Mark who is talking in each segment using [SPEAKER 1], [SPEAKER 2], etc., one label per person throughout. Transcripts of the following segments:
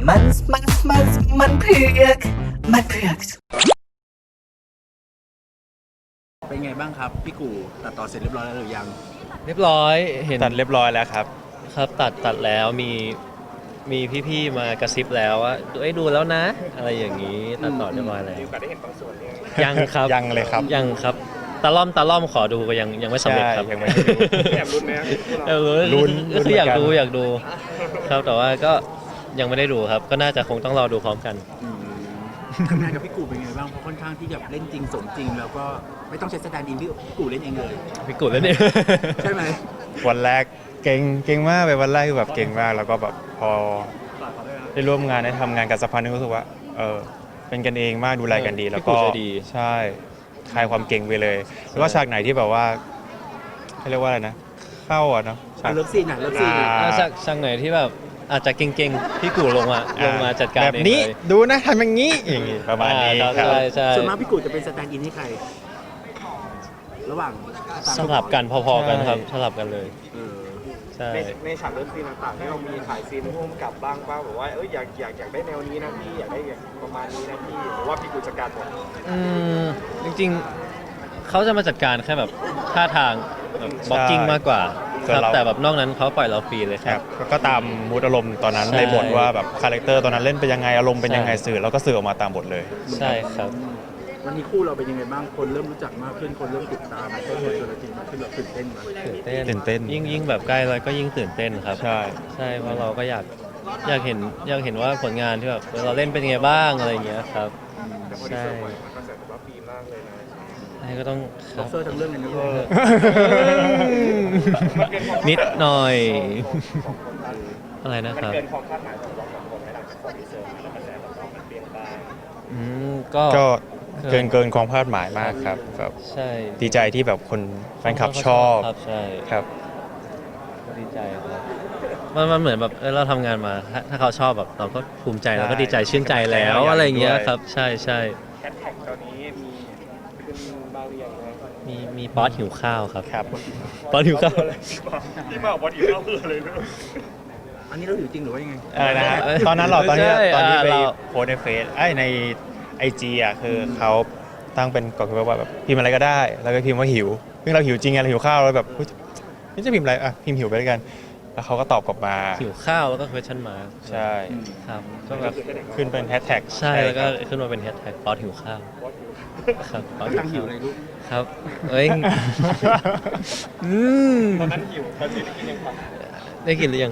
[SPEAKER 1] มันมันมันมันเผือกมันเผือก
[SPEAKER 2] เป็นไงบ้างครับพี่กู่ตัดต่อเสร็จเรียบร้อยแล้วหรือยัง
[SPEAKER 3] เรียบร้อยเห็น
[SPEAKER 4] ตัดเรียบร้อยแล้วครับ
[SPEAKER 3] ครับตัดแล้วมีพี่ๆมากระซิบแล้วว่าดูแล้วนะ อะไรอย่างนี้ตัดต่อเรียบร้อยแล้วยังครับ
[SPEAKER 4] ยังเลยครับ
[SPEAKER 3] ยังครับตะล่อมขอดูก็ยังไม่สำเร็จครับ
[SPEAKER 4] ใช่ยังไม่ได้ดู
[SPEAKER 3] แอบลุ้นไหม
[SPEAKER 4] ลุ้น
[SPEAKER 3] ก็คืออยาก
[SPEAKER 4] เหมือนกัน
[SPEAKER 3] อยากดูครับแต่ว่าก็ยังไม่ได้ดูครับ ก็น่าจะคงต้องรอดูพร้อมกัน
[SPEAKER 2] ทำงานกับพี่กู่เป็นไงบ้างเพราะค่อนข้างที่จะเล่นจริงสมจริง แล้วก็ไม่ต้องใช้สแตนด์อินพี่กู่เล่นเองเลย
[SPEAKER 3] พี่กุดแล้วเนี่ย
[SPEAKER 2] ใช่ไหม
[SPEAKER 4] วันแรกเก่งมากไปวันแรกคือแบบเก่งมากแล้วก็แบบพอได้ร่วมงานได้ทำงานกับสักพักนึงรู้สึกว่าเป็นกันเองมากดูแลกันดีแล้วก็
[SPEAKER 3] พี่กู่ใจดี
[SPEAKER 4] ใช่คลายความเก่งไปเลย แล้วก็ฉากไหนที่แบบว่าเขาเรียกว่าอะไรนะเข้าอ่ะเนาะฉาก
[SPEAKER 2] เลิฟซีนอ่ะเลิฟซีน
[SPEAKER 3] แล้วช่างไหนที่แบบอาจจะเก่งๆพี่กูลงมาจัดการ
[SPEAKER 4] แบบ
[SPEAKER 3] เอง
[SPEAKER 4] นี้
[SPEAKER 3] เลย
[SPEAKER 4] ดูนะทำอย่างนี้อย่างนี้ประมาณนี้
[SPEAKER 3] ครับ
[SPEAKER 4] ครับ
[SPEAKER 3] ใช่
[SPEAKER 2] ส่วนมากพี่กู่จะเป็นสแตนด์อินให้ใคร ระหว่าง
[SPEAKER 3] สลับกันพอๆกันครับสลับกันเลย
[SPEAKER 2] เออ
[SPEAKER 3] ใช่
[SPEAKER 5] ในฉากเลิฟซีนต่างๆที่เรามีถ่ายซีนร่วมกับบ้างป่ะแบบว่าอยากได้แนวนี้นะพี่อยากได้ประมาณนี้นะพี่หรือว่าพี่กูจัดการหมด
[SPEAKER 3] จริงๆเขาจะมาจัดการแค่แบบท่าทางแบบบล็อกกิ้งมากกว่า
[SPEAKER 4] ส่วน
[SPEAKER 3] ครับ
[SPEAKER 4] เรา
[SPEAKER 3] แต่แบบนอกนั้นเขาปล่อยเราฟรีเลยค
[SPEAKER 4] ค
[SPEAKER 3] รั
[SPEAKER 4] รับ บก็ตามมูดอารมณ์ตอนนั้น
[SPEAKER 3] ใช่
[SPEAKER 4] ในบทว่าแบบคาแรคเตอร์ตอนนั้นเล่นเป็นยังไงอารมณ์เป็นยังไง
[SPEAKER 3] ใช่
[SPEAKER 4] สื่อแล้วก็สื่อออกมาตามบทเลย
[SPEAKER 3] ใช่ครับ
[SPEAKER 2] วันนี้คู่เราเป็นยังไงบ้างคนเริ่มรู้จักมากขึ้นคนเริ่มติดตามคนเห็นตัวจริงมากขึ้นเราตื่นเต้นไหม
[SPEAKER 3] ตื่นเต้น
[SPEAKER 4] ตื่นเต้น
[SPEAKER 3] ยิ่งแบบใกล้แล้วก็ยิ่งตื่นเต้นครับ
[SPEAKER 4] ใช่
[SPEAKER 3] ใช่เพราะเราก็อยากเห็นว่าผลงานที่แบบเราเล่นเป็นยังไงบ้างอะไรอย่างเงี้ยครับ
[SPEAKER 5] แต่พอดี
[SPEAKER 3] ใช่
[SPEAKER 5] เซอร์ปล่อยมันกระแสตอบรับดีมากเลยนะ
[SPEAKER 3] ใช่ก็ต้องค
[SPEAKER 2] บ็
[SPEAKER 3] รั
[SPEAKER 2] อบ กเซอร์ทั้งเรื่องเลยนะ
[SPEAKER 3] นิดหน่อย
[SPEAKER 5] ของคนไทย
[SPEAKER 3] อะไรนะ
[SPEAKER 5] มัน
[SPEAKER 3] ครับ
[SPEAKER 5] เกินความคาดหมายของเราสองคนไหมหลังจากปล่อยทีเซอร์มาแล้วกระแสตอบรับมันเปลี่ยนไป
[SPEAKER 3] ก็
[SPEAKER 4] ก็เกินความคาดหมายมากครับแบบ
[SPEAKER 3] ใช่
[SPEAKER 4] ดีใจที่แบบคนแฟนคลับชอบ
[SPEAKER 3] ครับใช่
[SPEAKER 4] ครับ
[SPEAKER 3] ดีใจครับมันเหมือนแบบเราทำงานมาถ้าเขาชอบแบบเราก็ภูมิใจเราก็ดีใจชื่นใจแล้ว
[SPEAKER 4] ใช่
[SPEAKER 3] อะไรอย่างเงี้ย
[SPEAKER 4] ด้วย
[SPEAKER 3] ครับใช่
[SPEAKER 5] แฮชแท็กตอนนี้มีขึ้นบ้างหรือยังนะ
[SPEAKER 3] มีป๊อตหิวข้าวครับ
[SPEAKER 4] ครับ
[SPEAKER 3] ป๊อตหิวข้าว
[SPEAKER 5] ที่มาบอกว่าอยู่เข้าเพื่อเลยนะ
[SPEAKER 2] อันนี้เราอยู่จริงหรือว่ายังไง
[SPEAKER 4] อะไรนะฮะตอนนั้นเหรอตอนที่
[SPEAKER 3] ใช่
[SPEAKER 4] ไป
[SPEAKER 3] เรา
[SPEAKER 4] โพสต์ในเฟซในไอจีอ่ะคือเขาตั้งเป็นกฎว่าแบบพิมพ์อะไรก็ได้ แล้วก็พิมพ์ว่าหิวซึ่งเราหิวจริงไงเราหิวข้าวแล้วแบบเฮ้ยนี่จะพิมพ์อะไรอ่ะพิมพ์หิวไปด้วยกัน แล้วเขาก็ตอบกลับมา
[SPEAKER 3] หิวข้าวแล้วก็ question mark
[SPEAKER 4] ใช่
[SPEAKER 3] ครับก็แบบ
[SPEAKER 4] ขึ้นเป็นแฮชแท็ก
[SPEAKER 3] ใช่แล้วก็ขึ้นมาเป็นแฮชแท็กป๊อตหิวข้าวครับป๊อต
[SPEAKER 2] ตั้งหิวเลยลูก
[SPEAKER 3] ครับเอ้ยอืม
[SPEAKER 5] ตอนนั้นหิวตอนนี้ได้กินยังครับ
[SPEAKER 3] ได้กินหรือยัง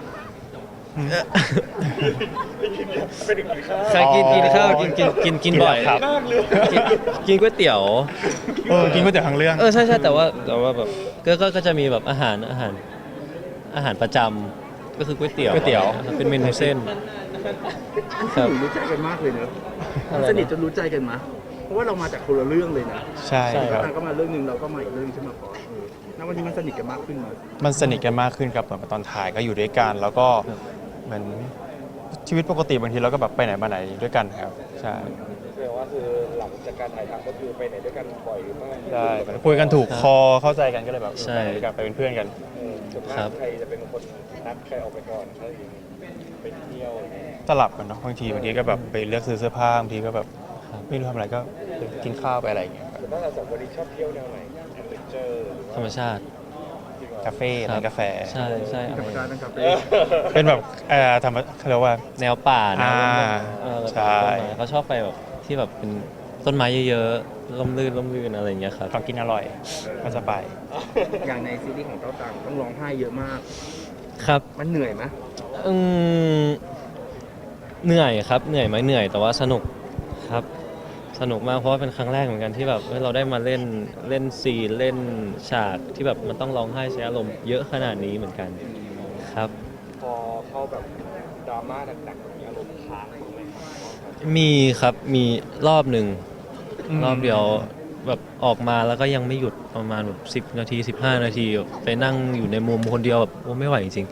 [SPEAKER 5] ไปถึงกินข้าว
[SPEAKER 3] ใช่กินข้าวกินบ่อย
[SPEAKER 4] ครับ
[SPEAKER 3] กินก๋วยเตี๋ยว
[SPEAKER 4] กินก๋วยเตี๋ยวทั้งเรื่อง
[SPEAKER 3] ใช่แต่ว่าแบบก็จะมีแบบอาหารประจำก็คือก๋วยเตี๋ยว
[SPEAKER 4] ก๋วยเตี๋ยว
[SPEAKER 3] เป็นเมนูเส้นครับ
[SPEAKER 2] รู้ใจกันมากเลยเนอะ
[SPEAKER 3] อะไรนะ
[SPEAKER 2] สนิทจนรู้ใจกันมะเพราะว่าเรามาจากคนละเรื่องเลยนะ
[SPEAKER 4] ใช่ครับ
[SPEAKER 2] นางก็มาเรื่องหนึ่งเราก็มาอีกเรื่องใช่ไหมพอณวันนี้มันสนิทกันมากขึ้นไหม
[SPEAKER 4] มันสนิทกันมากขึ้นครับเหมือนตอนถ่ายก็อยู่ด้วยกัน แล้วก็เหมือนชีวิตปกติบางทีเราก็แบบไปไหนมาไหนด้วยกันครับใช่
[SPEAKER 5] แสดงว่าคือหลังจากการถ่ายทำก็คือไปไหนด้วยกันบ่อยหรือไม่
[SPEAKER 4] ใช่เหมือนคุยกันถูกคอเข้าใจกันก็เลยแบบ
[SPEAKER 3] ใช่
[SPEAKER 4] ไปด้วยกันไปเป็นเพื่อนกัน
[SPEAKER 5] ส่วนมากใครจะเป็นคนนัดใครออกไปก่อนอะไรอย่างนี้ไปเที่ยวอะไรอย่างเงี้ย
[SPEAKER 4] สลับกันเนาะบางทีก็แบบไปเลือกซื้อเสื้อผ้าบางทีก็แบบไม่รู้ทำอะไรก็ไปกินข้าวไปอะไรอย่างเงี้ยครับ
[SPEAKER 5] ส่วนมากเราสองคนนี้ชอบเที่ยวแนวไหนแอดเวนเจอร์หรือ
[SPEAKER 3] ธรรมชาติ
[SPEAKER 4] คาเฟ่ร้านกาแฟ
[SPEAKER 3] ใช่อะไร
[SPEAKER 2] ธรรมชาตินะครับ
[SPEAKER 4] เป็นแบบธรรมเขาเรียกว่า
[SPEAKER 3] แนวป่าแนว
[SPEAKER 4] อ่า
[SPEAKER 3] แล้วก็
[SPEAKER 4] ใช่
[SPEAKER 3] ต้นไม้เขาชอบไปแบบที่แบบเป็นต้นไม้เยอะๆร่มรื่นอะไรอย่างเงี้ยครับ
[SPEAKER 4] ของกินอร่อยก็จะไป
[SPEAKER 2] อย่างในซีรีส์ของเต้าตังต้องร้องไห้เยอะมาก
[SPEAKER 3] ครับ
[SPEAKER 2] มันเหนื่อยไหม
[SPEAKER 3] อืมเหนื่อยครับเหนื่อยไหมเหนื่อยแต่ว่าสนุกครับ สนุกมากเพราะว่าเป็นครั้งแรกเหมือนกันที่แบบเราได้มาเล่นซีนเล่นฉากที่แบบมันต้องร้องไห้ใช้อารมณ์เยอะขนาดนี้เหมือนกันครับ
[SPEAKER 5] พอเข้าแบบดราม่าหนักๆมีอารมณ์ค้างบ้างไหมครับ
[SPEAKER 3] มีครับมีรอบหนึ่ง
[SPEAKER 4] อืม
[SPEAKER 3] รอบเดียวแบบออกมาแล้วก็ยังไม่หยุดประมาณแบบ10 นาที 15 นาทีไปนั่งอยู่ในมุมคนเดียวแบบโอ้ไม่ไหวจริง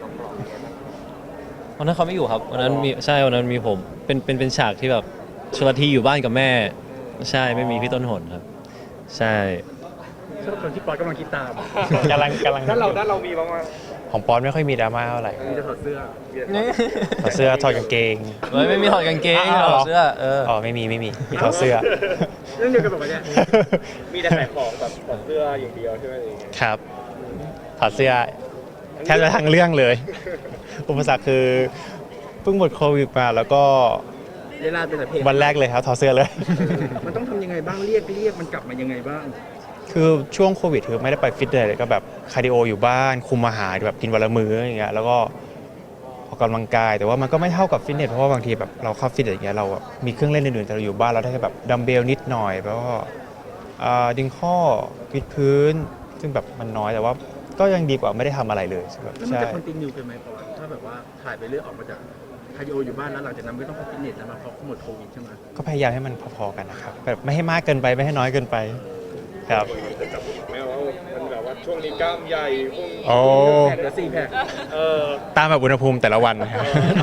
[SPEAKER 3] ๆวันนั้นเขาไม่อยู่ครับวันนั้นมีใช่วันนั้นมีผมเป็นฉากที่แบบชลธีอยู่บ้านกับแม่ ใช่ไม่มีพี่ต้นหนครับ ใช่
[SPEAKER 2] ชอบตอนที่ปอยกำลังคิดตาม
[SPEAKER 4] กำลัง
[SPEAKER 5] ด้านเรามีบ้างไหม
[SPEAKER 4] ของปอนไม่ค่อยมีดราม่าเท่าไหร่
[SPEAKER 2] มีแต่ถอดเสื้อ
[SPEAKER 4] ถอดเสื้อถอดกางเกง
[SPEAKER 3] เฮ้ยไม่มีถอดกางเกงถอดเสื้อ
[SPEAKER 4] อ๋อไม่มีมีถอดเสื้อ
[SPEAKER 2] เรื่องเดียวกันแบบว่าเนี่ย
[SPEAKER 5] มีแต่ขายของแบบถอดเสื้ออย่างเดียวใช่ไหมอะไรอย่างเงี้ย
[SPEAKER 4] ครับถอดเสื้อแทบจะทั้งเรื่องเลย อุปสรรคคือเพิ่งหมดโควิดมาแล้วก็
[SPEAKER 2] เวลาเป็นแต่เพลง
[SPEAKER 4] วันแรกเลยครับถอดเสื้อเลย
[SPEAKER 2] มันต้องทำยังไงบ้างเรียกมันกลับมายังไงบ้าง
[SPEAKER 4] คือช่วงโควิดคือไม่ได้ไปฟิตเนสเลยก็แบบคาร์ดิโออยู่บ้านคุมอาหารแบบกินวันละมื้ออย่างเงี้ยแล้วก็ออกกำลังกายแต่ว่ามันก็ไม่เท่ากับฟิตเนสเพราะว่าบางทีแบบเราเข้าฟิตเนสอย่างเงี้ยเราแบบมีเครื่องเล่นอื่นๆแต่เราอยู่บ้านเราได้แค่แบบดัมเบลนิดหน่อยแล้วก็ดึงข้อวิดพื้น ซึ่งแบบมันน้อยแต่ว่าก็ยังดีกว่าไม่ได้ทำอะไรเลยแบบ
[SPEAKER 2] แล้วมัน
[SPEAKER 4] ใช่
[SPEAKER 2] จะคอนติเนียกันไหมเพราะว่าถ้าแบบว่าถ่ายไปเรื่อยออกมาจากคาร์ดิโออยู่บ้านแล้วหลังจากนั้นไม่ต้องเข้าฟิตเนสแล้วมาเพราะหมดโควิดใช่ไหม
[SPEAKER 4] ก็พยายามให้มันพอๆกันนะครับแบบไม่ให้มากเกินไปไม่ให้น้อยเกินไปครับ
[SPEAKER 5] ไม่ว่ามันแบบว่าช่วงนี้กล้ามใหญ่พวก
[SPEAKER 4] โอ้
[SPEAKER 2] แพ็คละ4แพ็ค
[SPEAKER 4] ตามแบบอุณหภูมิแต่ละวันนะครับ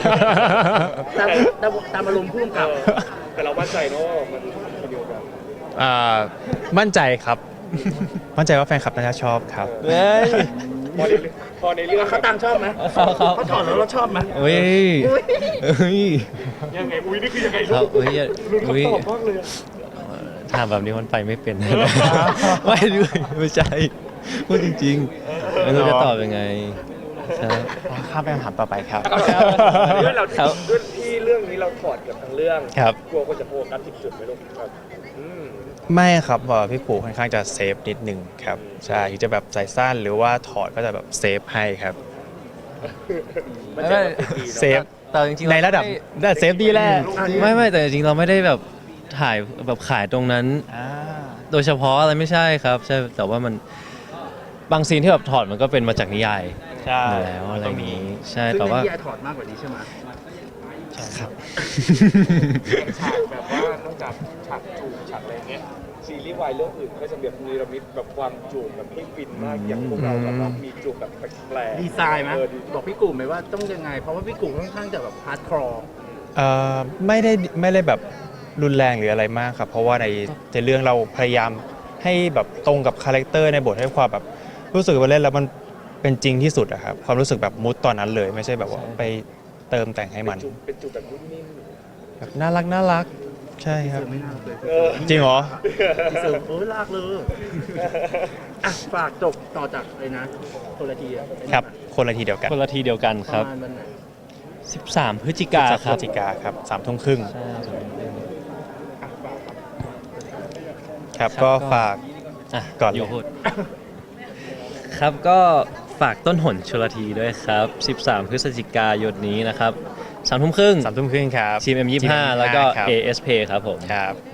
[SPEAKER 2] ตามอารมณ์พุ่งกับ
[SPEAKER 5] แต่เรามั่นใจเนอะว่ามันเดียวกัน
[SPEAKER 4] มั่นใจครับ มั่นใจว่าแฟนคลับน่าจะชอบครับ
[SPEAKER 3] เฮ้ย
[SPEAKER 5] พอในเรื่อง
[SPEAKER 2] เขาตังชอบไหม เขาถอดแล้วเราชอบไหม
[SPEAKER 3] เฮ้ยเฮ้ย
[SPEAKER 5] ยังไงอุ้ยนี่คือยังไง
[SPEAKER 3] ค
[SPEAKER 5] ลู
[SPEAKER 3] รับ
[SPEAKER 5] ก
[SPEAKER 3] เฮ้ย
[SPEAKER 5] ลุ้น
[SPEAKER 3] เฮ้ย
[SPEAKER 5] คำตอบมากเลยอะ
[SPEAKER 3] ถามแบบนี้มันไปไม่เป็น ไม่ด้วยไม่ใช่พูดจริงๆไม่รู้จะตอบยังไงครับ
[SPEAKER 4] ข้ามไปคำถามต่อไปครับ
[SPEAKER 5] ด้วยเรา
[SPEAKER 3] ครับ
[SPEAKER 5] ด้วยที่เรื่องนี้เราถอดกับทั้งเรื่อง
[SPEAKER 4] ครับ
[SPEAKER 5] กลัวคนจะโฟกัสผิดจุดไหมลูกครับม
[SPEAKER 4] ไม่ครับพี่ปู่ค่อนข้างจะเซฟนิดนึงครับใช่ที่จะแบบใส่สั้นหรือว่าถอดก็จะแบบเซฟให้ครับ
[SPEAKER 5] มันจะแบบดี
[SPEAKER 4] เซฟ
[SPEAKER 3] แต่จริงๆ
[SPEAKER 4] ในระดับเซฟดีแหละ
[SPEAKER 3] ไม่แต่จริงๆเราไม่ได้แบบถ่ายแบบขายตรงนั้น โดยเฉพาะอะไรไม่ใช่ครับใช่แต่ว่ามันบางซีนที่แบบถอดมันก็เป็นมาจากนิยาย
[SPEAKER 4] ใช่
[SPEAKER 3] อยู่แล้วอะไรอย่างนี้ใช่
[SPEAKER 2] ซึ่ง
[SPEAKER 3] แต่
[SPEAKER 2] ใน
[SPEAKER 3] ว่า
[SPEAKER 2] ที่ยายถอดมากกว่านี้ใช่ไหม
[SPEAKER 3] ครับ
[SPEAKER 5] ฉากแบบว่านอกจากฉากจูบฉากอะไรเงี้ยซีรีส์วายเรื่องอื่นก็จะแบบมีระมิดแบบความจูบแบบให้ฟินมากอย่างพวกเราแบบว่ามีจูบแบบแปลกๆ
[SPEAKER 2] ดีไซน์ไหม บอกพี่กลุ่มไหมว่าต้องยังไง เพราะว่าพี่กลุ่มค่อนข้างจะแบบฮาร์ดคอร์
[SPEAKER 4] ไม่ได้แบบรุนแรงหรืออะไรมากครับ เพราะว่าในเรื่องเราพยายามให้แบบตรงกับคาแรคเตอร์ในบทให้ความแบบรู้สึกว่าเล่นแล้วมันเป็นจริงที่สุดอะครับความรู้สึกแบบมุดตอนนั้นเลยไม่ใช่แบบว่าไปเติมแต่งให้มัน
[SPEAKER 5] เป็นจูบแบบนิ่ม
[SPEAKER 4] แบบน่ารักใช่ครับ
[SPEAKER 2] เจอไม่น่าเลย
[SPEAKER 4] จริงเหรอ
[SPEAKER 2] ทีเซอร์โอ้ยลากเลยอ่ะฝากจบต่อจากเลยนะคนละทีอะ
[SPEAKER 4] ครับคนละทีเดียวกัน
[SPEAKER 3] คนละทีเดียวกัน
[SPEAKER 2] ป
[SPEAKER 3] ครั
[SPEAKER 2] ระ
[SPEAKER 3] บ
[SPEAKER 2] มาณวันไหน
[SPEAKER 3] 13 พฤศจิกา
[SPEAKER 4] พ
[SPEAKER 3] ค
[SPEAKER 4] ฤ
[SPEAKER 3] รั
[SPEAKER 4] ศ
[SPEAKER 3] บ
[SPEAKER 4] จิกาครับ3:30
[SPEAKER 3] ใช่
[SPEAKER 2] อ่ะฝากครับ
[SPEAKER 4] ครับก็ฝาก
[SPEAKER 3] อ่ะ
[SPEAKER 4] ก่อนเลย
[SPEAKER 3] ยู่พูดครับก็ฝากต้นหนชลทีด้วยครับ 13 พฤศจิกายนนี้นะครับ 3 ทุ่มครึ่ง
[SPEAKER 4] 3:30 ครับ
[SPEAKER 3] ทีม M25 แล้วก็
[SPEAKER 4] ครับ
[SPEAKER 3] ASP ครับผม
[SPEAKER 4] ครับ